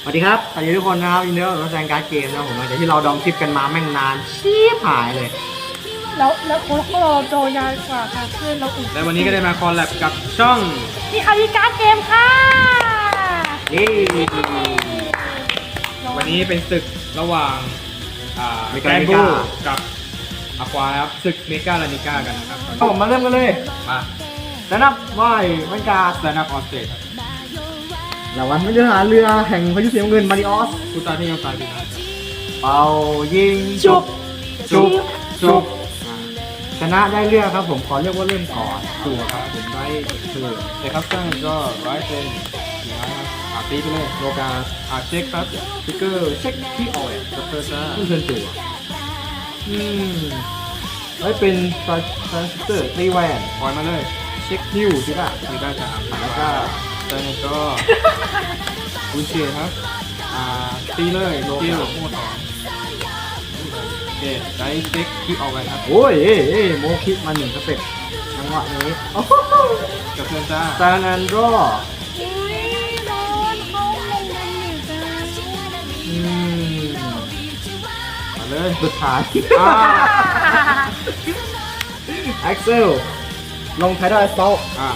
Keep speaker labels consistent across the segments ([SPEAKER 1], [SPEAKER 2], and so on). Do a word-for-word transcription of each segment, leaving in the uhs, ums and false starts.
[SPEAKER 1] สวัสดีครับสวัสดีทุกคนนะครับยินดีต้อนรับสู่แซงการ์ดเกมนะผมหลังจากที่เราดองคลิปกันมาแม่งนานชีพหายเลย
[SPEAKER 2] แล้วแล้วโค้ชก็รอโจยาวกว่าค่ะเพื่อนเราอีก
[SPEAKER 3] และวันนี้ก็ได้มาคอลแลบกับช่อง
[SPEAKER 2] มีคาริการ์ดเกมค่ะ
[SPEAKER 1] นี่
[SPEAKER 3] วันนี้เป็นศึกระหว่างอ่า
[SPEAKER 1] เม
[SPEAKER 3] แก
[SPEAKER 1] กาน
[SPEAKER 3] น
[SPEAKER 1] นิ
[SPEAKER 3] บู
[SPEAKER 1] ก้า
[SPEAKER 3] กับอควาครับศึกเมกาลานิก้ากันนะครับ
[SPEAKER 1] เอาผมมาเริ่มกันเลย
[SPEAKER 3] มา
[SPEAKER 1] แล้วนับว่ายวันการ์ด
[SPEAKER 3] สแตนด์อัพออสเตรครับ
[SPEAKER 1] รางวัลไม่เรือหาเรือแห่งพายุสีน้ำเงินมาริออส
[SPEAKER 3] ผู้ตายที่ยังตายอยู่นะ
[SPEAKER 1] เป่ายิงจุบจุบจุบอ่าชนะได้เลือกครับผมขอเรียกว่าเริ่มก่อน
[SPEAKER 3] ตัวครับผมได้คือแต่ครับตั้งก็ร้อยเป็นสี่ร้อยครับอาตีไปเลย
[SPEAKER 1] โลกา
[SPEAKER 3] อาเช็คครับ
[SPEAKER 1] สติ๊กเกอร์เช็คที่ออย
[SPEAKER 3] สเปอร์ซ่า
[SPEAKER 1] ขึ้นเทิร์นจั่วอืมไว้เป็นทรานซิสเตอร์ตีแวน
[SPEAKER 3] ปล่อยมาเลย
[SPEAKER 1] เช็คฮิวใช่ป่ะ
[SPEAKER 3] มีได้จากอ่า
[SPEAKER 1] แล้ว
[SPEAKER 3] แล้ว
[SPEAKER 1] ก็
[SPEAKER 3] ก็ตอนนี้ก็คุณเชียครับอ่าตีเลยโลเกลโม่สองโอเคได้เช็คที่ออกไปครับ
[SPEAKER 1] โอ้ยเอ้ยเอ้ยโมคิมาหนึ่งสเต็ปจังหวะนี้โอ้โห
[SPEAKER 3] กับเพื่อนจ้า
[SPEAKER 1] ซานอันโดร
[SPEAKER 2] อุ้ยโดนเขาลงดันหนึ่งจ้า
[SPEAKER 1] อืม
[SPEAKER 3] มาเลย
[SPEAKER 1] สุดท้าย
[SPEAKER 3] อ่า
[SPEAKER 1] แอ็กเซลลงไทดอลสโตล
[SPEAKER 3] อ่า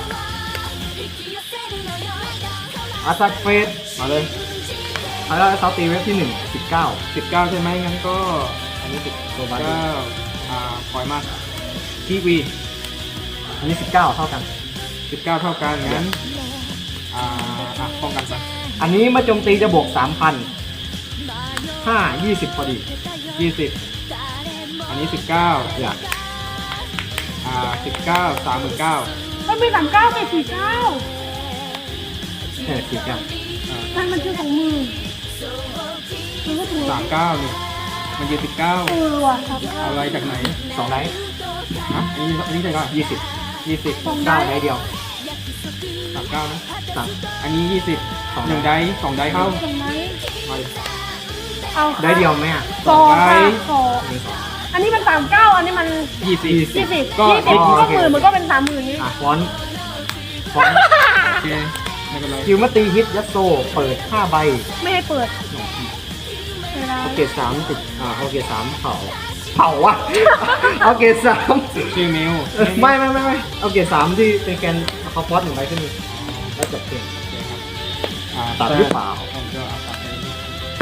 [SPEAKER 1] อาซักเฟส
[SPEAKER 3] มาเลย
[SPEAKER 1] ไทดอลสโตลตีเว็บที่หนึ่งสิบเก้า
[SPEAKER 3] สิบเก้าใช่ไหมงั้นก็
[SPEAKER 1] อันนี้สิบตัวบา
[SPEAKER 3] เก้าอ่าปล่อยมาทีวี
[SPEAKER 1] อันนี้สิบเก้าเท่ากัน
[SPEAKER 3] สิบเก้าเท่ากันงั้นอ่าอ่ะป้องกันไป
[SPEAKER 1] อันนี้เมื่อโจมตีจะบวกสามพันห้ายี่สิบพอดี
[SPEAKER 3] ยี่สิบอันนี้สิบเก้า
[SPEAKER 1] อย่า
[SPEAKER 3] อ่าสิบเก้าสามหมื่นเก้า
[SPEAKER 2] มันมีสามเก้าเป็นสี่เก้า
[SPEAKER 1] แค่สิบเก้า
[SPEAKER 3] อ่า
[SPEAKER 2] ท่านมันชื่อของมือมันก็ถูก
[SPEAKER 3] สามเก้านี่มันยืนสิบเก้า
[SPEAKER 2] เออว่ะครับ
[SPEAKER 3] อะไรจากไหน
[SPEAKER 1] สองไลท์
[SPEAKER 3] ฮะอันนี้อันนี้ใช่ก็
[SPEAKER 1] ยี่สิบ
[SPEAKER 3] ยี่สิบ
[SPEAKER 1] เก้าไลท์เดียว
[SPEAKER 3] สามเก้านะ
[SPEAKER 1] สาม
[SPEAKER 3] อันนี้ยี่สิบ
[SPEAKER 1] สอง
[SPEAKER 3] หนึ่งได้สองได้เข้า
[SPEAKER 2] ตรงไหน
[SPEAKER 3] มาเลย
[SPEAKER 2] เอาค่ะ
[SPEAKER 1] ได้เดียวไหมอ่ะ
[SPEAKER 2] สองค่ะ
[SPEAKER 3] ได้
[SPEAKER 2] สอง
[SPEAKER 1] หนึ่งสอง
[SPEAKER 2] อันนี้มันสามเก้าอันนี้มัน
[SPEAKER 3] ยี่สิบ
[SPEAKER 2] ยี่สิบยี่สิบ
[SPEAKER 3] ก็
[SPEAKER 2] ก็หมื่นมันก็เป็นสามหมื่นนี้
[SPEAKER 1] อ่ะฟอนต์ฟอนต์
[SPEAKER 3] โอเคไม่เป็นไร
[SPEAKER 1] คิวมาตีฮิตยัตโซเปิดห้าใบ
[SPEAKER 2] ไม่ให้เปิดเวลา
[SPEAKER 1] เอาเกรดสามติดอ่าเอาเกรดสามเผาเผาวะ เอาเกรดสาม
[SPEAKER 3] ชื่อมิว
[SPEAKER 1] เออไม่ไม่ไม่ไม่เอาเกรดสามที่เป็นแกนเขาฟอสหนึ่งใบขึ้นมาแล้วจบเกม
[SPEAKER 3] โอเคครับอ่า
[SPEAKER 1] ตัดหรือเปล่า
[SPEAKER 3] ผมก็เอาตัดไปนี่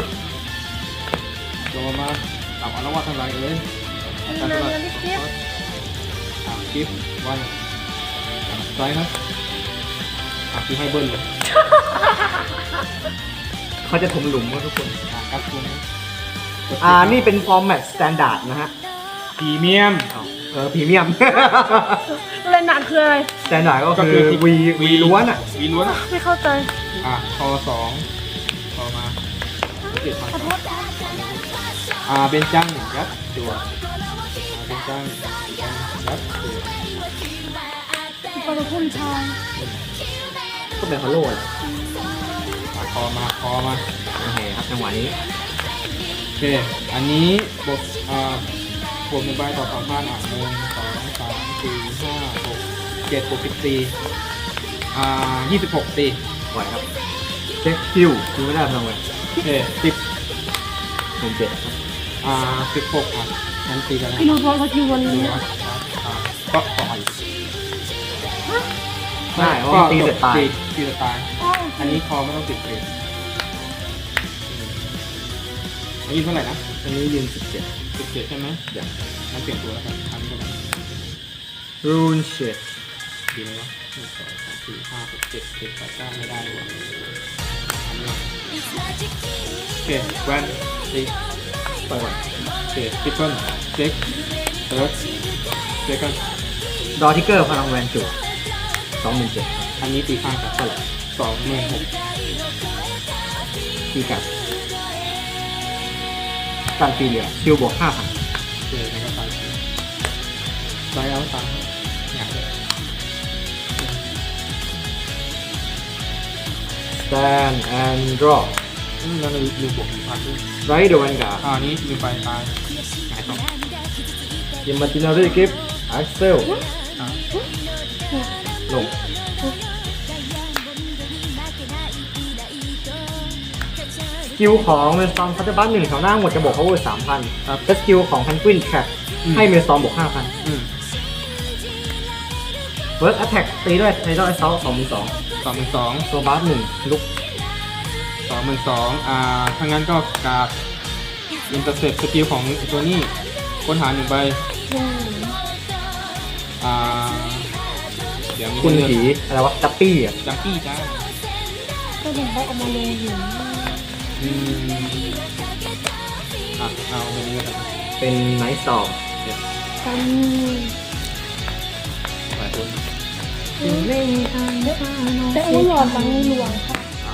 [SPEAKER 3] โดนมาตับอนุวัตทำไรเอ้ย
[SPEAKER 2] อัน
[SPEAKER 3] ตัด
[SPEAKER 2] นั้
[SPEAKER 3] ไป
[SPEAKER 2] นอันนี้คลิป
[SPEAKER 3] อ่าคลิปวันไรครับอ่าคลิปให้เบิ้ลเลย
[SPEAKER 1] เขาจะถมหลุมว่าทุกคน
[SPEAKER 3] อ่าครับคุณ
[SPEAKER 1] อ่านี่เป็นฟอร์แมตสแตนดาร์ดนะฮะ
[SPEAKER 3] พรีเมียม
[SPEAKER 1] เออพรีเมี ยม
[SPEAKER 2] เลนหนักคืออะไร
[SPEAKER 1] สแตนดาร์ดก็คือวีวีล้วนอ่ะ
[SPEAKER 3] วีล้วน
[SPEAKER 2] ไม่เข้าใจ
[SPEAKER 3] อ่ะคอสองคอมาเจ็ดพัน
[SPEAKER 2] ขอโทษ
[SPEAKER 3] อ่าเป็นจังยัดตัวอ่าเป็นจังยัดตัว
[SPEAKER 2] ขอโทษคุณชาย
[SPEAKER 1] ก็เป็นฮอลโลแหละ
[SPEAKER 3] อ่ะคอมาคอมา
[SPEAKER 1] โอเคครับจังหวะนี้
[SPEAKER 3] โอเค อันนี้บวกอ่าบวกหนึ่งใบต่อสองพันอ่ะหนึ่งสองสามสี่ห้าหกเจ็ดบวกสิบสี่อ่ายี่สิบหกตี
[SPEAKER 1] ปล่อยครับเช็คคิวคิวไม่ได้พลังเลย
[SPEAKER 3] โอเคสิบ
[SPEAKER 1] หนึ่งเจ็ดครับ
[SPEAKER 3] อ่าสิบหกอ่ะงั้นตีกันนะ
[SPEAKER 2] กินพอสกิลวัน
[SPEAKER 3] หนึ่
[SPEAKER 2] นี้
[SPEAKER 3] งอ่ะอ่าก็ต่อย
[SPEAKER 1] ได้เพราะว่าตีเสร็จตาย
[SPEAKER 3] ตีตีจะตาย
[SPEAKER 2] อ๋อ
[SPEAKER 3] อันนี้คอไม่ต้องติดเกรดอันนี้เท่าไหร่นะ
[SPEAKER 1] อันนี้ยืนสิบเจ็ด
[SPEAKER 3] สิบเจ็ดใช่ไหม
[SPEAKER 1] อย่าง
[SPEAKER 3] งั้นเปลี่ยนตัวแล้วกันอันนี้ก็ได้
[SPEAKER 1] รูนเชด
[SPEAKER 3] ดีไหมวะหนึ่งสองสามสี่ห้าหกเจ็ดเจ็ดแปดเก้าไม่ได้ดีกว่าอันนี้โอเคแวนตี
[SPEAKER 1] เปิด
[SPEAKER 3] โอเคทิปเปิลเซ็กเติร์ดเซ็กัน
[SPEAKER 1] ดอทิกเกอร์พลังแวนจุสองหมื่นเจ็ด
[SPEAKER 3] อันนี้ตีข้างกันเท่าไหร่สองหมื่นหก
[SPEAKER 1] ตีกับการตีเหลือคิวบวกห้าพัน
[SPEAKER 3] เจอกันก็ตายตายเอาตายอยากเลย
[SPEAKER 1] แตนแอนด์ดรอป
[SPEAKER 3] อืมแล้วลืมบวกหนึ่งพันด้วย
[SPEAKER 1] ไรเดวันกา
[SPEAKER 3] อ่านี้ลืมไปตายหายสอง
[SPEAKER 1] ยิมมาตินารีกิฟแอ็กเซล
[SPEAKER 3] อ่า
[SPEAKER 1] ลง
[SPEAKER 2] เ
[SPEAKER 1] กิลของเมลซอมพัตบัสหนึ่งแถวหน้าหมดจะบวก power สามพัน
[SPEAKER 3] ครับ
[SPEAKER 1] และสกิลของแพนกวินแทร็ก
[SPEAKER 3] อืม
[SPEAKER 1] ให้เมลซอมบวกห้าพัน
[SPEAKER 3] อืม
[SPEAKER 1] เวิร์กแอตแทกตีด้วยไทดอลเซลสองหมื่นสอง
[SPEAKER 3] สองหมื่นสอง
[SPEAKER 1] ตัวบัสหนึ่งลุก
[SPEAKER 3] สองหมื่นสองอ่าถ้างั้นก็กาดอินเตอร์เซ็ปสกิลของตัวนี้ค้นหาหนึ่งใบ
[SPEAKER 2] อืม
[SPEAKER 3] อ่าเดี๋ยวมี
[SPEAKER 1] คุณ
[SPEAKER 3] ให้เลือก
[SPEAKER 1] ผีอะไรวะจัปปี้อ่ะ
[SPEAKER 3] จังกี้จ้า
[SPEAKER 2] ก็เห็นเขาเอามาลงอยู่
[SPEAKER 3] อืมอ่ะเอาไปนี้กัน
[SPEAKER 1] เป็นไนท์สตอร์ม
[SPEAKER 2] กัน
[SPEAKER 3] หลายคน
[SPEAKER 2] แต่อุ้ยหลอดบางหลวงค่ะ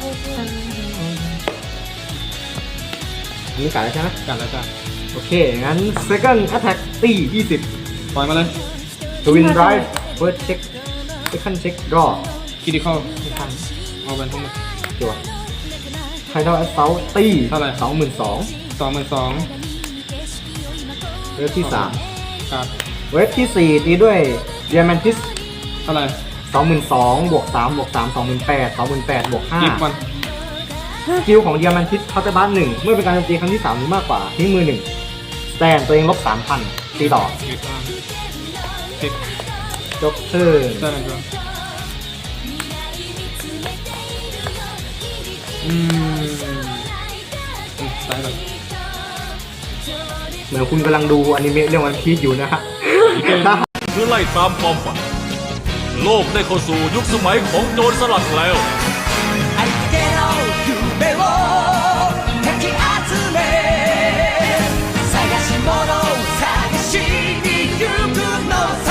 [SPEAKER 1] อันนี้กัดแล้วใช่ไหม
[SPEAKER 3] กันแล้วจ้า
[SPEAKER 1] โอเค งั้น second attack ตียี่สิบ
[SPEAKER 3] ปล่อยมาเลย
[SPEAKER 1] twin drive first check second check draw
[SPEAKER 3] คิดิคอล
[SPEAKER 1] ไม่ทัน
[SPEAKER 3] เอาไปทั้งหมด
[SPEAKER 1] จั่ว tidal assault ตี
[SPEAKER 3] เท่าไหร่
[SPEAKER 1] สองหมื่นสอง
[SPEAKER 3] สองหมื่นสอง
[SPEAKER 1] เวฟที่สาม
[SPEAKER 3] ครับ
[SPEAKER 1] เวฟที่สี่ตีด้วย diamantis
[SPEAKER 3] เท่าไหร่
[SPEAKER 1] สองหมื่นสองบวกสามบวกสามสองหมื่นแปดสองหมื่นแปดบวกห้า
[SPEAKER 3] กิฟวัน
[SPEAKER 1] สกิลของ diamantis เคาน์เตอร์บัสหนึ่งเมื่อเป็นการโจมตีครั้งที่สามหรือมากกว่าทิ้งมือหนึ่งสแตนตัวเองลบสามพันตีต่อ
[SPEAKER 3] กิฟวันเช็ค
[SPEAKER 1] จบเทิร์น
[SPEAKER 3] ได้เลยครับอืมอืมตายเลย
[SPEAKER 1] เหมือนคุณกำลังดูอนิเมะเรื่องวันพีชอยู่นะฮะ
[SPEAKER 4] เพื่อไล่ตามความฝัน โลกได้เข้าสู่ยุคสมัยของโจรสลัดแล้ว
[SPEAKER 5] 相手の夢をかき集め探し物を探しに行くのさ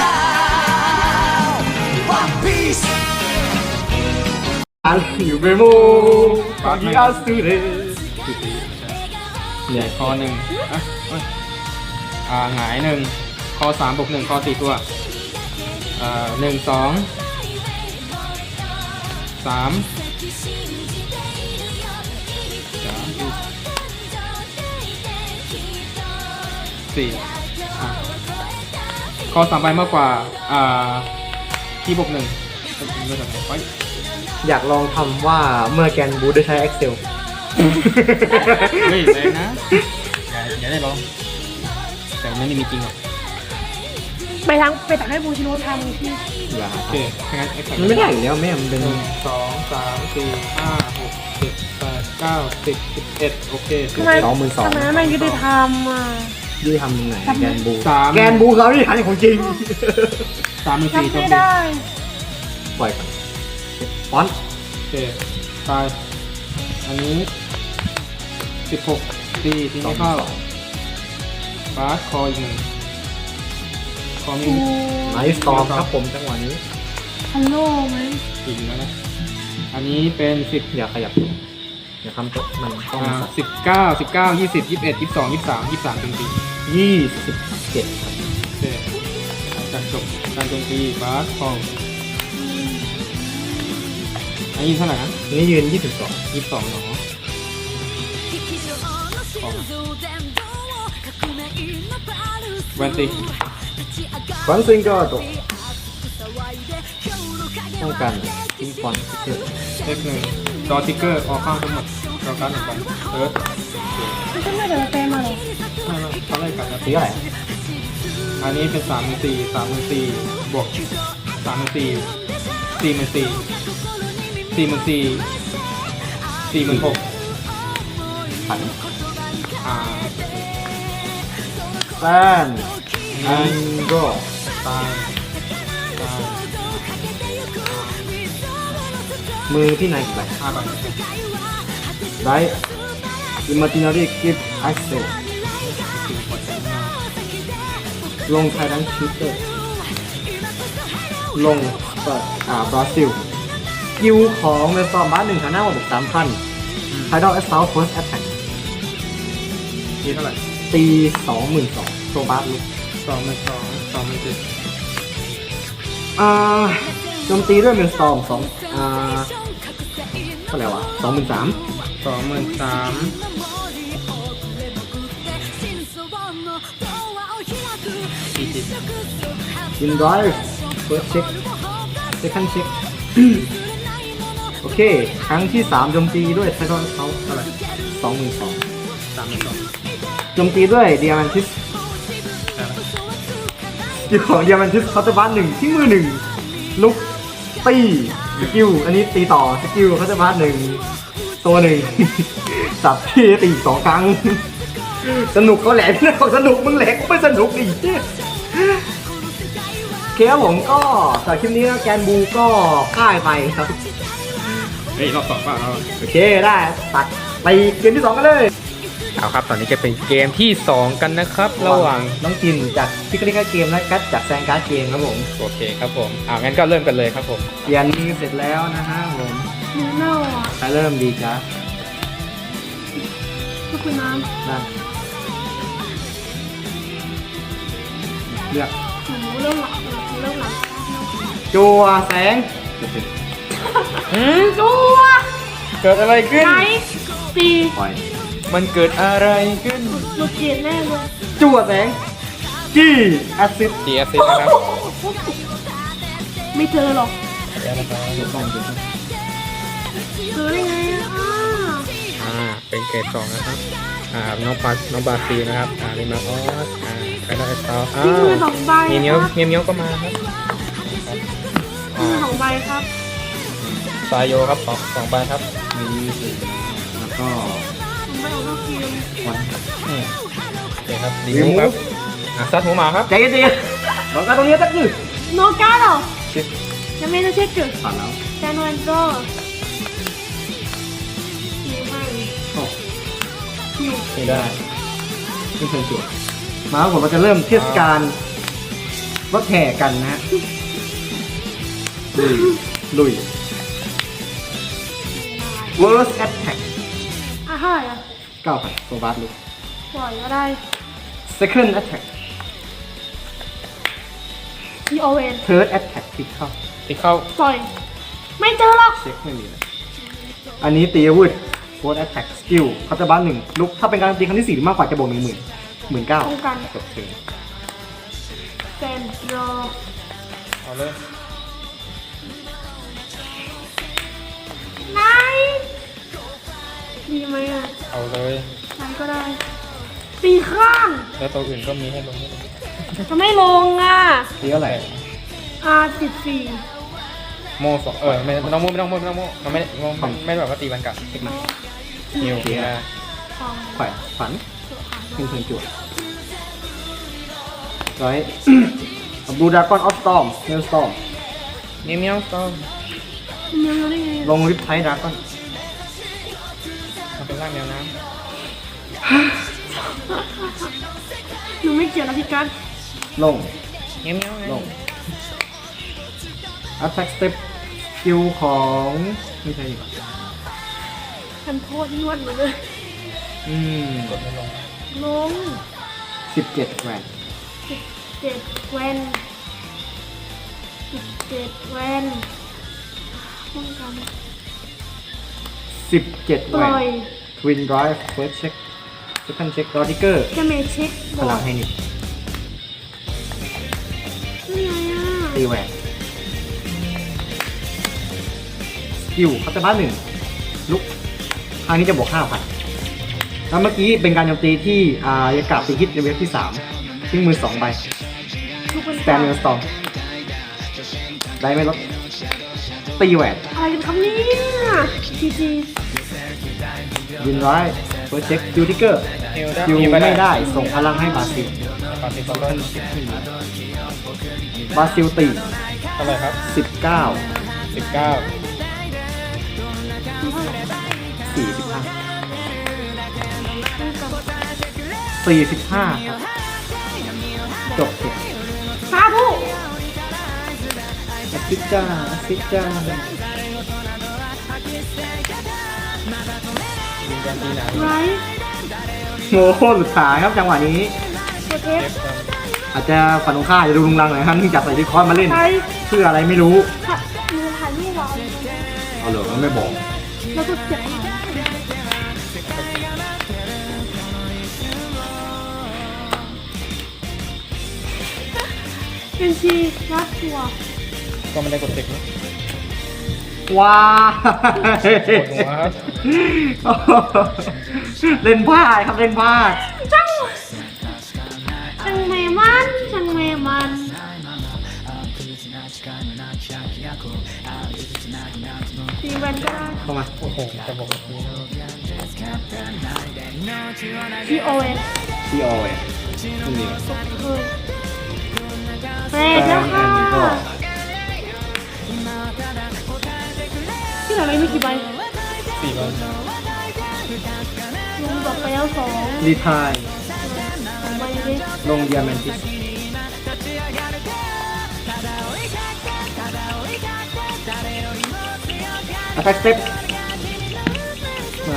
[SPEAKER 5] One Piece
[SPEAKER 1] อันอยู่เบโมปากิอาสุเรเนี่ย
[SPEAKER 3] คอหนึ่งอ่ะเอ้ยอ่าหงายหนึ่งคอสามบวกหนึ่งคอสี่ตัวอ่าหนึ่งสองสามสามสี่อ่ะคอสามใบมากกว่าอ่าที่บวกหนึ่งเป็นเรื่องอะไรไป
[SPEAKER 1] อยากลองทำว่าเมื่อแกนบูได้ใช้ Excel
[SPEAKER 3] เฮ้ยแรงนะอย่าอย่าได้ลองแต่มันไม่ได้มีจริงหรอก
[SPEAKER 2] ไปทางไปตักให้บูชิโร่ทำที่
[SPEAKER 1] อย่า
[SPEAKER 3] โอเคถ้างั้น X
[SPEAKER 1] มันไม่ได้อยู่แล้วแม่มันเป็น
[SPEAKER 3] หนึ่งสองสามสี่ห้าหกเจ็ดแปดเก้าสิบสิบเอ็ดโอเคสิบ
[SPEAKER 2] ทำไม
[SPEAKER 3] เอ็ด
[SPEAKER 1] สองหมื่นสอง
[SPEAKER 2] ทำไมไม่ยุติธรรมอ่ะ
[SPEAKER 1] ยี่ทำยังไงแกนบู
[SPEAKER 3] สาม
[SPEAKER 1] แกนบูเขาที่ทันของจริง
[SPEAKER 3] สามหมื่นสี่
[SPEAKER 2] ทำ
[SPEAKER 3] จบ
[SPEAKER 2] ไม่
[SPEAKER 3] ดี
[SPEAKER 2] ได้
[SPEAKER 1] ปล่อยก่อนฟอนต์
[SPEAKER 3] โอเคตายอันนี้สิบหกตีที
[SPEAKER 1] สอ
[SPEAKER 3] นี้
[SPEAKER 1] ง
[SPEAKER 3] เข้า
[SPEAKER 1] สอง
[SPEAKER 3] บาสคออีกหนึ่งคอมี
[SPEAKER 2] กู
[SPEAKER 1] ไนท์สตอมครับผมจังหวะนี้
[SPEAKER 2] ฮัลโหลไหม
[SPEAKER 3] อีกแล้วนะอันนี้เป็นสิบ
[SPEAKER 1] อย่าขยับตัวอย่าทำตัวมันต้อง
[SPEAKER 3] อ่าสิบเก้าสิบเก้ายี่สิบยี่สิบเอ็ดยี่สิบสองยี่สิบสามยี่สิบสามเป็นตี
[SPEAKER 1] ยี่สิบเจ็ดครับ
[SPEAKER 3] โอเคการจบการโจมตีบาสคอลอันนี้เท่าไหร่นะ
[SPEAKER 1] อันนี้ยืนยี่สิบสอง
[SPEAKER 3] ยี่สิบสองเนาะแวนตี
[SPEAKER 1] ฟอนต์ซิงเกิลตัวต้องการทิ้งฟอนต์เพื่อ
[SPEAKER 3] เลขหนึ่งดอทิกเกอร์ออกข้างทั้งหมดเราการหนึ่งใบเติร์ด
[SPEAKER 2] ไม่ใช่ไม่เดี๋ยวเต็มมาหรอ
[SPEAKER 3] ไม่ไม่เขาไล่กลับนะ
[SPEAKER 1] ตีอะไร
[SPEAKER 3] อันนี้เป็นสามหมื่นสี่สามหมื่นสี่บวกสามหมื่นสี่สี่หมื่นสี่สี่หมื่นสี่สี่หมื่นหก
[SPEAKER 1] ผัน
[SPEAKER 3] อ่า
[SPEAKER 1] แซนอันโด
[SPEAKER 3] ตายตาย
[SPEAKER 1] มือที่ไหนกี่ใบ
[SPEAKER 3] ห้าใบ
[SPEAKER 1] ไรอิมมาจินารีกิฟต์ไอเซลลงไทยรันชูเตอร์ลงเปิดอ่าบราซิลกิวของเมซอมบ้านหนึ่งฐานะบวกสามพันไทดอลแอสซาวเฟิร์สแอตแทก
[SPEAKER 3] นี่เท่าไหร่
[SPEAKER 1] ตีสองหมื่นสองโซบาสลุก
[SPEAKER 3] สองหมื่นสองสองหมื่นเจ็ด
[SPEAKER 1] อ่าโจมตีด้วยเมลสตอมสองอ่าเท่าไหร่วะสองหมื่นสาม
[SPEAKER 3] สองหมื่นสามสี่สิบ
[SPEAKER 1] ยินดอยเฟิร์สเช็คเซคันด์เช็คโอเค ครั้งที่สามโจมตีด้วยไททอนเขาเท่าไหร่สองหมื่นสอง
[SPEAKER 3] สามหมื่นสอง
[SPEAKER 1] โจมตีด้วยเดียมันทิสอยู่ของเดียมันทิสคอร์ตบัสหนึ่งที่มือหนึ่งลุกตีสกิลอันนี้ตีต่อสกิลคอร์ตบัสหนึ่งตัวหนึ่ง สับที่ตีอีกสองครั้ง สนุกเขาแหลมนะเขาสนุกมึงแหลกกูไม่สนุกดิโอเคครับผมก็สำหรับคลิปนี้แกนบูก็พ่ายไปครับ
[SPEAKER 3] เฮ้ยรอบสองป่ะเรา
[SPEAKER 1] โอเคได้ตัดไปเกมที่สองกันเลย
[SPEAKER 3] เอาครับตอนนี้จะเป็นเกมที่สองกันนะครับ ระหว่าง
[SPEAKER 1] น้องจินจากพิกลิกาเกมและกัดจากแซงการ์ดเกมครับผม
[SPEAKER 3] โอเคครับผมอ่างั้นก็เริ่มกันเลยครับผม
[SPEAKER 1] เรียนนี้เสร็จแล้วนะฮะผม
[SPEAKER 2] หนูเน่าอ่ะ
[SPEAKER 1] ใครเริ่มดีจ้ะ
[SPEAKER 2] ก็คือน้
[SPEAKER 1] นั่นเลือก
[SPEAKER 2] ำหนูเริ่มหลับหนูเริ่มหลับ
[SPEAKER 1] จัวแสง
[SPEAKER 3] หืม
[SPEAKER 2] จัว
[SPEAKER 3] เกิดอะไรขึ้น
[SPEAKER 2] ไหนตี
[SPEAKER 1] ปล่อย
[SPEAKER 3] มันเกิดอะไรขึ้น
[SPEAKER 2] หลุดเกียรแน่เลย
[SPEAKER 1] จัวแสงจี้แอสซิด
[SPEAKER 3] ดีเอสซีนะครับ
[SPEAKER 2] ไม่เจอหรอก
[SPEAKER 3] เดี๋ยวนะครับ
[SPEAKER 2] เจอได้ไงอ่ะ
[SPEAKER 3] อ่าเป็นเกรดสองนะครับอ่าน้องปาน้องบาซีนะครับอ่าลิมาออสอ่าไคด้าเอสตาอ้า
[SPEAKER 2] ที่มือ
[SPEAKER 3] ว
[SPEAKER 2] สองใบ
[SPEAKER 3] มี
[SPEAKER 2] ค
[SPEAKER 3] เมียว
[SPEAKER 2] รับ
[SPEAKER 3] เมียวเมียวก็มาครับ
[SPEAKER 2] มือสองใบครับ
[SPEAKER 3] ซายโยครับสองสองใบครับ
[SPEAKER 1] มีสิแล้วก็
[SPEAKER 2] สองใบออกนอกเกม
[SPEAKER 1] วัน
[SPEAKER 3] อืมโอเคครับดีมูครับอ่ะซัดหูหมาครับ
[SPEAKER 1] ใจเย็นๆบอกกันตรงนี้สักหนึ่ง
[SPEAKER 2] โนการ์ดเหรอ
[SPEAKER 1] เช็ค
[SPEAKER 2] ยังไม่ได้เช็คจุด
[SPEAKER 1] ผ่านแล้ว
[SPEAKER 2] แจนวันโจคิวให้
[SPEAKER 1] โอ้
[SPEAKER 2] คิว
[SPEAKER 3] นี่ได้
[SPEAKER 1] ขึ้นเชิญจั่วมาครับผมเราจะเริ่มเทศกาลรถแห่กันนะฮะลุยลุย Worst Attack
[SPEAKER 2] อ่ะเท่าไหร่อ่ะ
[SPEAKER 1] เก้าพันโซบาสลุก
[SPEAKER 2] ปล่อยก็ได้
[SPEAKER 1] Second Attack
[SPEAKER 2] ทีโอเวน
[SPEAKER 1] Third Attack คลิกเข้า
[SPEAKER 3] ที่เข้า
[SPEAKER 2] ปล่อย ไม่เจอหรอก
[SPEAKER 1] เช็คไม่มีเลยอันนี้ตีอาวุธ Fourth Attack Skill เขาจะบ้านหนึ่งลุกถ้าเป็นการตีครั้งที่สี่หรือมากกว่าจะบวกหนึ่งหมื่นหมื่นเก้า
[SPEAKER 2] ป้องกัน
[SPEAKER 1] จบเทิร์น
[SPEAKER 2] เซนโร
[SPEAKER 3] เอาเลย
[SPEAKER 2] ไหนดีไหมอ่ะ
[SPEAKER 3] เอาเลย
[SPEAKER 2] ไหนก็ได้ ตีข้าง
[SPEAKER 3] แล้วตัวอื่นก็มีให้ลงด้วย
[SPEAKER 2] จะไม่ลงอ่ะ
[SPEAKER 1] ตีเท่าไหร่
[SPEAKER 2] อาสิบสี่
[SPEAKER 3] โมสองเออไม่ไม่ต้องโมไม่ต้องโมไม่ต้องโมมันไม่มันไม่ได้แบบว่าตีบันกัด
[SPEAKER 1] เช็คมา
[SPEAKER 3] นิวนะ
[SPEAKER 2] ทอง
[SPEAKER 1] ขวัญขวัญขึ้นเทิร์นจั่วร้อย บูดากอนออฟสตอมเมลสตอม
[SPEAKER 3] เมียวเมียวต้อง
[SPEAKER 2] เมียวได้ไง
[SPEAKER 1] ลงริปไทดากอน
[SPEAKER 3] มันเป็นร่างแมวน้
[SPEAKER 2] หนูไม่เกี่ยวนะพี่กัส
[SPEAKER 1] ลง
[SPEAKER 3] ำเมียวเมียวไง
[SPEAKER 1] ลง Attack Step สกิลของไม่ใช่ดีกว่า
[SPEAKER 2] ทันโทษนวดเลย
[SPEAKER 1] อืม
[SPEAKER 3] กดไม่ลง
[SPEAKER 2] ลง
[SPEAKER 1] สิบเจ็ดแหวน
[SPEAKER 2] สิบเจ็ดแวนสิบเจ็ดแวนป้องกัน
[SPEAKER 1] สิบเจ็ด
[SPEAKER 2] ป
[SPEAKER 1] แหว
[SPEAKER 2] ล่อย
[SPEAKER 1] น Twin Drive First Check Second Check Draw Trigger
[SPEAKER 2] จะเมเช็ค
[SPEAKER 1] พ
[SPEAKER 2] บอ
[SPEAKER 1] ลั
[SPEAKER 2] ร์
[SPEAKER 1] ง
[SPEAKER 2] ด
[SPEAKER 1] ให้นิด
[SPEAKER 2] นี่ไงอ่ะ
[SPEAKER 1] ตีแหวนสกิลคัตเตอร์บ้านหนึ่งลุกทางนี้จะบวกห้าพันแล้วเมื่อกี้เป็นการโจมตีที่อ่ายากาศตีฮิตในเวฟที่สามทิ้งมือสองใบ
[SPEAKER 2] ทุกคน
[SPEAKER 1] สแตนเนอร์สตอมได้ไม่ลดตีแหวน
[SPEAKER 2] อะไรกันครับเนี่ยจีจี
[SPEAKER 1] ยินร้อยเฟิร์สเช็คคิวทิกเกอร์
[SPEAKER 3] นิวได้
[SPEAKER 1] คิว
[SPEAKER 3] มี
[SPEAKER 1] ไม่
[SPEAKER 3] ไป
[SPEAKER 1] ได้ส่งพลังให้บราซิล
[SPEAKER 3] ปาติสอง
[SPEAKER 1] บราซิลตี
[SPEAKER 3] เท่าไหร่ครับ
[SPEAKER 1] สิบเก้า
[SPEAKER 3] สิบเก้า
[SPEAKER 1] สี่สิบห้าสี่สิบห้าครับจบเถอะ
[SPEAKER 2] สาธุ
[SPEAKER 1] อาซิจ้าอาซิจ้า
[SPEAKER 3] ยิงกันตีหนา
[SPEAKER 2] ไร
[SPEAKER 1] โอ้โหสุดท้ายครับจังหวะนี้
[SPEAKER 2] กดเอฟ
[SPEAKER 3] เอฟกัน
[SPEAKER 1] อาจจะฝันตรงข้ามจะดูลุงลังหน่อยครับเนื่องจากใส่ดิคอนมาเล่น
[SPEAKER 2] ใคร
[SPEAKER 1] เพื่ออะไรไม่รู้
[SPEAKER 2] ค่ะมือถ่ายรูปเรา
[SPEAKER 1] เอาเหรอมันไม่บอก
[SPEAKER 2] แล้วก็เจ็บเป็นชีรัดตัว
[SPEAKER 3] ก็ไม่ได้กดเทคนะ
[SPEAKER 1] ว้า
[SPEAKER 3] ปวดหัวครับ
[SPEAKER 1] เล่นพลาดครับเล่นพลาด
[SPEAKER 2] ช่างช่างเมมันช่างเมมัน ตีแวนก็ได้
[SPEAKER 1] เข้ามา
[SPEAKER 3] โอ้โหจะบอกว่า
[SPEAKER 2] ทีโอเอส
[SPEAKER 1] ที่ออยไม่มี
[SPEAKER 2] เคยเฟรดแล้วค่ะ
[SPEAKER 1] อันนี้ก็
[SPEAKER 2] ที่เราเล่นมีกี่ใบ
[SPEAKER 3] สี่ใบ
[SPEAKER 2] ลงดอกไปแล้วสอง
[SPEAKER 1] รีไทาย
[SPEAKER 2] สองใบเลย
[SPEAKER 1] ลงเดียแมนติสอัตแทกสเต็ปมา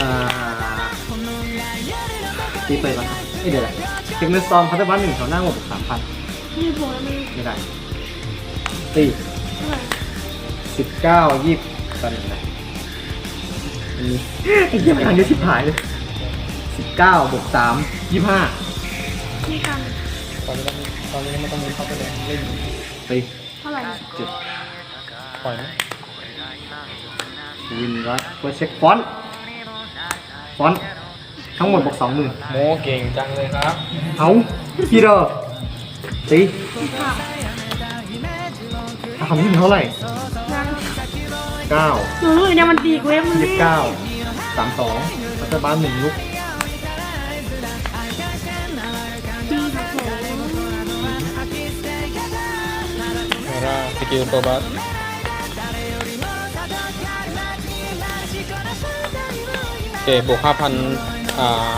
[SPEAKER 1] ตีไปก่อนครับเอ้ยเดี๋ยวแหละเทคเนสตอมพัฒนาหนึ่งแถวหน้าหมดสามพัน
[SPEAKER 2] มีบวกแล้วมี
[SPEAKER 1] ไม่ได้ตี
[SPEAKER 2] เท่าไหร่
[SPEAKER 1] สิบเก้ายี่สิบตอนนี้นะอันนี้ไอ้เหี้ยมันทางนี้ชิบหายเลยสิบเก้าบวกสามยี่ห้า
[SPEAKER 2] มีกัน
[SPEAKER 3] ตอนนี้ต้องตอนนี้ไม่ต้องมีเข้าไปเลยเล่น
[SPEAKER 1] ตี
[SPEAKER 2] เท่าไหร่
[SPEAKER 1] เจ็ด
[SPEAKER 3] ปล่อยนะ
[SPEAKER 1] วินรัสเพื่อเช็คฟอนต์ฟอนต์ทั้งหมดบวกสองหมื่น
[SPEAKER 3] โมเก่งจังเลยครับ
[SPEAKER 1] เอาพี่เดอร์ตี
[SPEAKER 2] ลงค่ะ
[SPEAKER 1] ทำที่เท่าไหร่
[SPEAKER 2] ยัง
[SPEAKER 1] เก้า
[SPEAKER 2] หนูรู้อยู่เนี่ยมันตีกูเว้ยมัน
[SPEAKER 1] ยี่สิบเก้าสามสองรัฐบาลหนึ่งลุก
[SPEAKER 2] ตีค่ะโถ
[SPEAKER 3] เวลาสกิลตัวบัสโอเคบวกห้าพันอ่า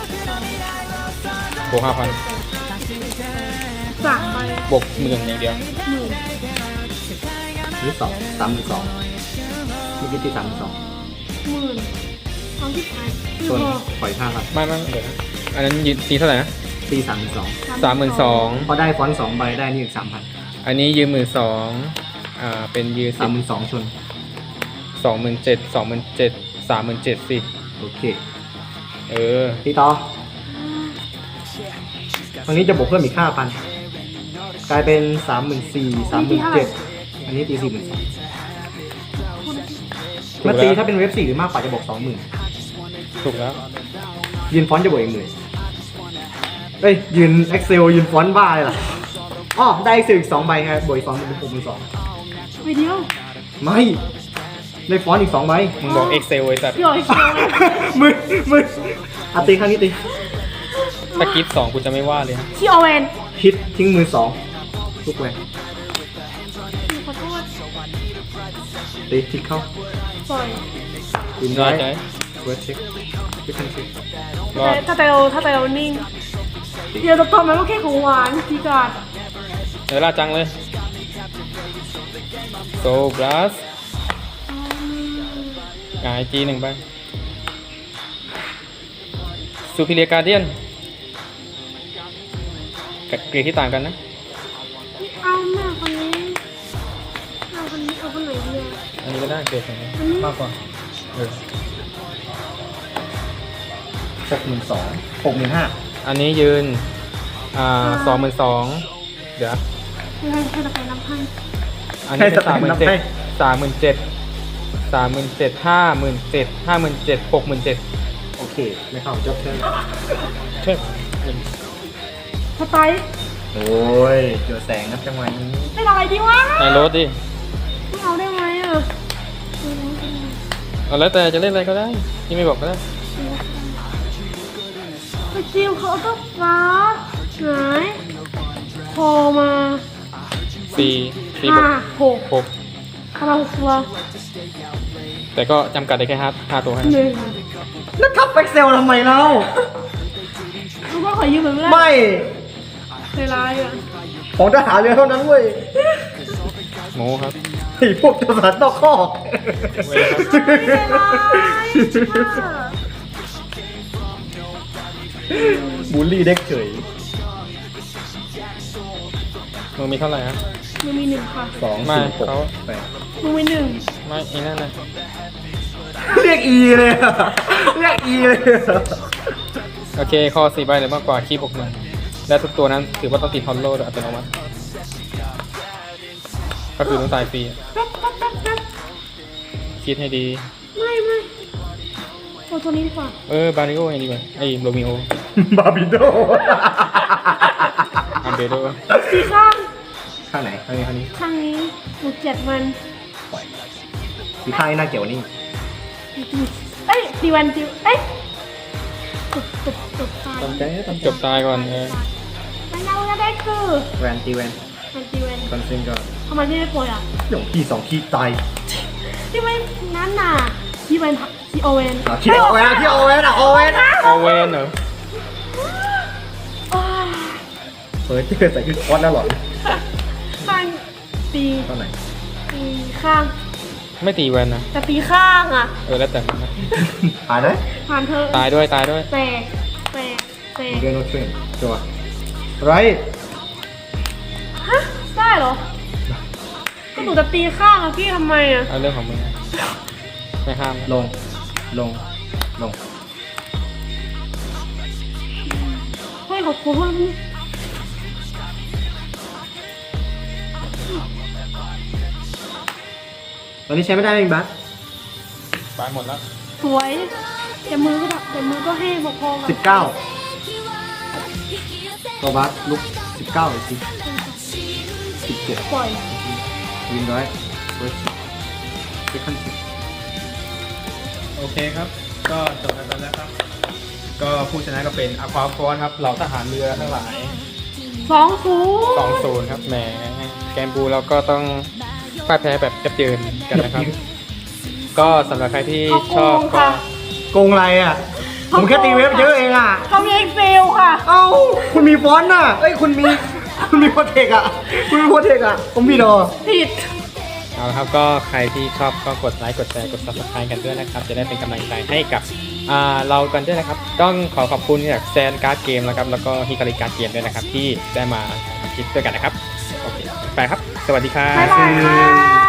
[SPEAKER 3] บวกห้าพัน
[SPEAKER 2] สามใบบ
[SPEAKER 3] วกหมื่นอย่างเดียว
[SPEAKER 2] หนึ่ง
[SPEAKER 1] นี่สองสามหนึ่งสองมีกิตีสามหนึ่งสอง
[SPEAKER 2] หมื่นทองที่ขายคือ
[SPEAKER 1] ส่วน
[SPEAKER 2] พอ
[SPEAKER 1] ปล่อยห้าพัน
[SPEAKER 3] ไม่ไม่เดี๋ยวนะอันนั้นยืนตีเท่าไหร่นะ
[SPEAKER 1] ตีสามหนึ่งสอง
[SPEAKER 3] สามหมื่นสอง
[SPEAKER 1] พอได้ฟอนต์สองใบได้นี่อีกสามพัน
[SPEAKER 3] อันนี้ยืมหมื่นสองอ่าเป็นยืม
[SPEAKER 1] สามหมื่นสองชน
[SPEAKER 3] สองหมื่นเจ็ดสองหมื่นเจ็ดสามหมื่นเจ็ดสิ
[SPEAKER 1] โอเค
[SPEAKER 3] เออ
[SPEAKER 1] ตีต่อตรงนี้จะบวกเพิ่มอีกห้าพันกลายเป็นสามหมื่นสี่สามหมื่นเจ็ดอันนี้ตีสี่หมื่นสองมาตีถ้าเป็นเว็บสี่หรือมากกว่าจะบวกสองหมื่น
[SPEAKER 3] ถูกแล้ว
[SPEAKER 1] ยืนฟอนต์จะบวกอีกหมื่นเอ้ยยืน Excel ยืนฟอนต์บ้าเลยเหรออ๋อได้ Excel อีกสองใบไงบวกอีกสองเป็นหกหมื่นสอง
[SPEAKER 2] ไปเดียว
[SPEAKER 1] ไม่ได้ฟอนต์อีกสองใบ
[SPEAKER 3] มึงบอก Excel ไอ้สัตว์
[SPEAKER 2] พี่อ๋อยเชียวเลย
[SPEAKER 1] มือมืออ่ะตีครั้งนี้ตี
[SPEAKER 3] ถ้ากิฟสองกูจะไม่ว่าเลยนะ
[SPEAKER 2] ที่โอเวน
[SPEAKER 1] ฮิตทิ้งมือสองทุกแวน
[SPEAKER 2] ขอโทษ
[SPEAKER 1] ตีทิกเข้า
[SPEAKER 2] ปล่อย
[SPEAKER 1] ยืน
[SPEAKER 3] น้อ
[SPEAKER 1] ไว้
[SPEAKER 3] ยใจ
[SPEAKER 1] เวิร์ดเช็คไม่ทันเช็ค
[SPEAKER 3] รอด
[SPEAKER 2] ถ้าแต่เราถ้าแต่เรานิ่งเดี๋ยวจะตอนมันก็แค่ของหวานทีกาด
[SPEAKER 3] เวลาจังเลยโซบลัสหงายจีหนึ่งไปซูพิเลียการเดียนกับเกรดที่ต่างกันนะ
[SPEAKER 2] เอาแม่คนนี้เอาคนนี้เอาคนไหนดีอะ
[SPEAKER 3] อันนี้ก็ได้เกรดของมัน
[SPEAKER 2] อันนี้
[SPEAKER 3] มากกว่าเออ
[SPEAKER 1] หกหมื่นสองหกหมื่นห้า
[SPEAKER 3] อันนี้ยืนอ่าสองหมื่นสองเดี๋ยว
[SPEAKER 2] ให้ให้ให้ตะไคร้น้ำให้
[SPEAKER 3] อันนี้เป็นสามหมื่นเจ็ดสามหมื่นเจ็ดสามหมื่นเจ็ดห้าหมื่นเจ็ดห้าหมื่นเจ็ดหกหมื่นเจ็ด
[SPEAKER 1] โอเคไม่เข้าจบเชิญ
[SPEAKER 3] เช่ย
[SPEAKER 2] สไตล์
[SPEAKER 1] โอ้ยเจอแสงครับจังหวะนี้
[SPEAKER 2] เป็นอะไรดีวะ
[SPEAKER 3] ในรถดิ
[SPEAKER 2] ไม่เอาได้ไหมอ่ะ
[SPEAKER 3] เอาแล้วแต่จะเล่นอะไรก็ได้ที่ไม่บอกก็ได้
[SPEAKER 2] สกิลเขาก็ฟ้าหายพอมา
[SPEAKER 3] สี่สี่บ
[SPEAKER 2] ห้าว
[SPEAKER 3] ก
[SPEAKER 2] หก
[SPEAKER 3] หก
[SPEAKER 2] คาราฮตัว
[SPEAKER 3] แต่ก็จำกัดได้แค่ห้าห้าตัวให้
[SPEAKER 2] หนึ่ง
[SPEAKER 1] แล้วทับเอ็กเซลทำไมเล่า
[SPEAKER 2] รู้ว่าขอยืมเหมือนเพื่อน
[SPEAKER 1] ไม่
[SPEAKER 2] เวลาอ่ะ
[SPEAKER 1] ของทหารเรือเท่านั้นเว้ย
[SPEAKER 3] โมครับ
[SPEAKER 1] ไอ้พวกทหารนอกคอก
[SPEAKER 3] เว้ยครับ
[SPEAKER 2] เวลา
[SPEAKER 1] บูลลี่เด็กเฉย
[SPEAKER 3] มึงมีเท่าไหร่ฮะ
[SPEAKER 2] มึงมีหนึ่งค่ะ
[SPEAKER 1] สอง
[SPEAKER 3] ไม่
[SPEAKER 1] สี่หก
[SPEAKER 3] เขา
[SPEAKER 1] แปด
[SPEAKER 2] มึงมีหนึ่ง
[SPEAKER 3] ไม่ไอ้นั่นนะ
[SPEAKER 1] เรียกอีเลยอะเรียกอีเลยอะ
[SPEAKER 3] โอเคคอสี่ใบหรือมากกว่าคีบบวกหนึ่งและทุกตัวนั้นถือว่าต้องติดฮอลโลโดยอัตโนมัติก็คือต้องตายฟรี
[SPEAKER 2] แป๊บแป๊บแป๊บแป๊บ
[SPEAKER 3] คิดให้ดี
[SPEAKER 2] ไม่ไม่โอ้ตัวนี้ดีกว่า
[SPEAKER 3] เออบาริโอยังดีกว่าไอ้โรมิโอบ
[SPEAKER 1] าบิโด
[SPEAKER 3] อันเบโด
[SPEAKER 2] สีข้าง
[SPEAKER 1] ข้างไหนข้างนี้ข้างนี้
[SPEAKER 2] ข้างนี้หนูเจ็ดมัน
[SPEAKER 1] สีข้างนี้น่าเกี่ยวนี่
[SPEAKER 2] เอ้ยตีวันตีเอ้ยจบจบจบตาย
[SPEAKER 1] ตามใจตาม
[SPEAKER 3] จบตายก่อนเออ
[SPEAKER 2] แล้วเราก็ได้คือ
[SPEAKER 1] แวนตีแวน
[SPEAKER 2] มันตีวัน
[SPEAKER 1] คอนเซนก็
[SPEAKER 2] ทำไมพี่ไม่ป่วยอ่ะ
[SPEAKER 1] หยงที่สองที่ตาย
[SPEAKER 2] ที่ไม่นั่นน่ะที่เป็นที่โอเวน
[SPEAKER 1] อ่ะที่โอเวนที่โอเวนอ่ะโอเวนอ่ะ
[SPEAKER 3] โอเวนเหรอ
[SPEAKER 2] อ้าว
[SPEAKER 1] เฮ้ยที่เคยใส่คือคอสแล้วหรอ
[SPEAKER 2] ข้างตี
[SPEAKER 1] ตอนไหน
[SPEAKER 2] ตีข้าง
[SPEAKER 3] ไม่ตีแวนนะ
[SPEAKER 2] แต่ตีข้างอ่ะ
[SPEAKER 3] เออแล้วแต่มันนะ
[SPEAKER 1] หายเลย
[SPEAKER 2] ผ่านเธอ
[SPEAKER 3] ตายด้วยตายด้วย
[SPEAKER 2] แตกแตกแตก
[SPEAKER 1] เกนโนเทรนจัวไร
[SPEAKER 2] ฮะได้เหรอก็หนูจะตีข้างอะพี่ทำไมอะ
[SPEAKER 3] เอาเรื่องของมึงนะไม่ห้ามนะ
[SPEAKER 1] ลงลงลง
[SPEAKER 2] เฮ้ยขอบคุณพี่
[SPEAKER 1] ตอนนี้ใช้ไม่ได้เองบัส
[SPEAKER 3] ตายหมดแล้ว
[SPEAKER 2] สวยแต่มือก็แบบแต่มือก็ให้พอๆกัน
[SPEAKER 1] สิบเก้าตัวบัสลุกสิบเก้าเลยสิสิบเจ็ด
[SPEAKER 2] ปล่อย
[SPEAKER 1] วินร้อยเวิร์สเซคันด์สิบ
[SPEAKER 3] โอเคครับ ก็จบกันไปแล้วครับ ก็ผู้ชนะก็เป็นอควาฟอร์ครับเหล่าทหารเรือทั้งหลาย
[SPEAKER 2] สองศูนย์
[SPEAKER 3] สองศูนย์ครับแหมแกมบูเราก็ต้องพ่ายแพ้แบบยับเยินกันนะครับ ก็สำหรับใครที่ชอบก็
[SPEAKER 1] โกงอะไรอ่ะ ผมแค่ตีเว็บเยอะเองอ่ะ
[SPEAKER 2] เขามีเอ็กเซลค่ะ
[SPEAKER 1] เอ้า คุณมีฟอนต์น่ะ เอ้ย คุณมี คุณมีโปรเทคอ่ะ คุณมีโปรเทคอ่ะ ผมมีดอ
[SPEAKER 2] ผิด
[SPEAKER 3] เอาละครับก็ใครที่ชอบก็กดไลค์กดแชร์กด ซับสไครบ์ กันด้วยนะครับ จะได้เป็นกำลังใจให้กับอ่าเรากันด้วยนะครับ ต้องขอขอบคุณจากแซนการ์ดเกมนะครับแล้วก็ฮิคาริการ์ดเกมด้วยนะครับ ที่ได้มาทำคลิปด้วยกันนะครับโอเคไปครับ สวัสดีครับ
[SPEAKER 2] บ๊ายบายค่ะ